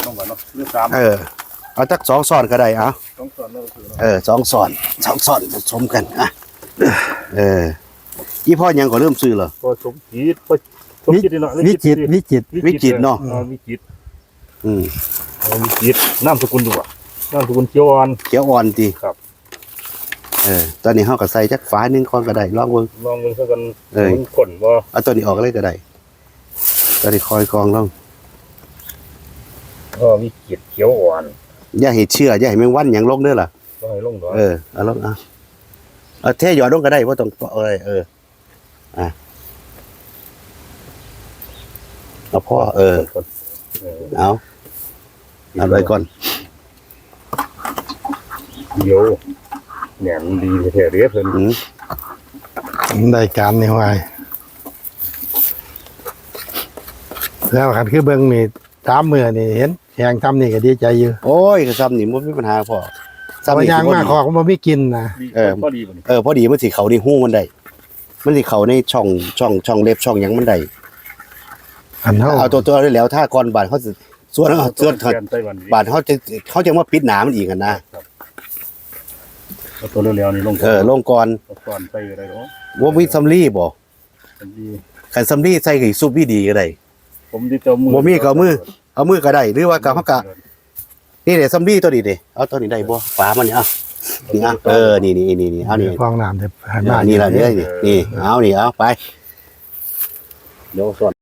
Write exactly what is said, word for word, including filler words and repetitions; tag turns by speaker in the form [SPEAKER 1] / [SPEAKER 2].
[SPEAKER 1] ต้องกันเนาะเรื่องสาม
[SPEAKER 2] เออเอาจักสองซ้อนก็ได้เอา
[SPEAKER 1] สองส่วนแล้วคือเนาะ
[SPEAKER 2] เออสองซ้อนสองซ้อนผสมกันอ่ะเออยี่พ่อยังก็เริ่มซื้อเหรอ
[SPEAKER 1] พอสมจิตพอสมจิตเนาะ
[SPEAKER 3] วิจิตรวิจิตร
[SPEAKER 2] วิจิตรเนาะ
[SPEAKER 1] วิจิตร
[SPEAKER 2] อืม
[SPEAKER 1] วิจิตรนามสกุลดูอ่ะนามสกุลเขียวอ่อน
[SPEAKER 2] เขียวอ่อนดี
[SPEAKER 1] ครับ
[SPEAKER 2] เออตอนนี้เฮาก็ใส่จักฝาหนึงก่อนก็ได้ลองเบิ่ง
[SPEAKER 1] ลองดูซะกัน
[SPEAKER 2] เอ้ย
[SPEAKER 1] มันขนว่า
[SPEAKER 2] เอาตัวนี้ออกเลยก็ได้ตัวนี้คอยกองลอง
[SPEAKER 1] ก็วิจิตรเขียวอ่อน
[SPEAKER 2] อย่าให้เชื่ออย่าให้แมงวันหยังลงเด้อล่ะ
[SPEAKER 1] ก็ให้ลงดอก
[SPEAKER 2] เออเอาลงเอาเอาเทหยอดลงก็ได้บ่ต้องเอ้ยเอออ่ะเอาพ่อเออ
[SPEAKER 1] เออ
[SPEAKER 2] เอาเอาไว้ก่อน
[SPEAKER 1] เดี๋ยวแหนมดีแท้ๆเด้อเพิ่น
[SPEAKER 2] อืม
[SPEAKER 3] ได้การนี่ว่าแล้วขันคือเบิ้งนี่ตามมือนี่เห็นแข่งทำนี่ก็ดีใจอยู่
[SPEAKER 2] โอ้ยก็ซ้ำนี่บ่มีปัญหาพ่อ
[SPEAKER 3] สมัยยางมากขอก็บ่มีกินนะ
[SPEAKER 1] ดี
[SPEAKER 2] เออ
[SPEAKER 1] พอดีบ่นี่
[SPEAKER 2] เออพอดีมันสิเข้าในหูมันได้มันสิเข้าในช่องช่องช่องเล็บช่องหยังมันได้
[SPEAKER 3] อันเท่า
[SPEAKER 2] เอาตัวตัวได้แล้วถ้าก่อนบาดเขาสิส่วนเอาส่วน
[SPEAKER 1] แทนไต้หวันดี
[SPEAKER 2] บาดเขาจะเขาจะมาปิดหนามันอีกกันนะ
[SPEAKER 1] เอาตัวเร็วๆนี่ลง
[SPEAKER 2] เออลงก่อน
[SPEAKER 1] เอาก่อนไปก็ได้เนาะ
[SPEAKER 2] ว่ามีซัมลี่บ่
[SPEAKER 1] มันดี
[SPEAKER 2] คันซัมลี่ใส่กับซุปดีๆก็ได้
[SPEAKER 1] ผมดิเจ้ามือ
[SPEAKER 2] บ่มีก็เอามือ เอามือก็ได้หรือว่ากับเฮากะนี่เด้ซัมลี่ตัวนี้เด้เอาตัวนี้ได้บ่ฝามันนี่เอานี่เอาเออนี่นี่นี่นี่เอานี่
[SPEAKER 3] ฟองน้ำเดี๋ยวหัน
[SPEAKER 2] อ่า
[SPEAKER 3] มา
[SPEAKER 2] นี่ล่ะนี่นี่นี่เอานี่เอาไปเดี๋ยวส่วน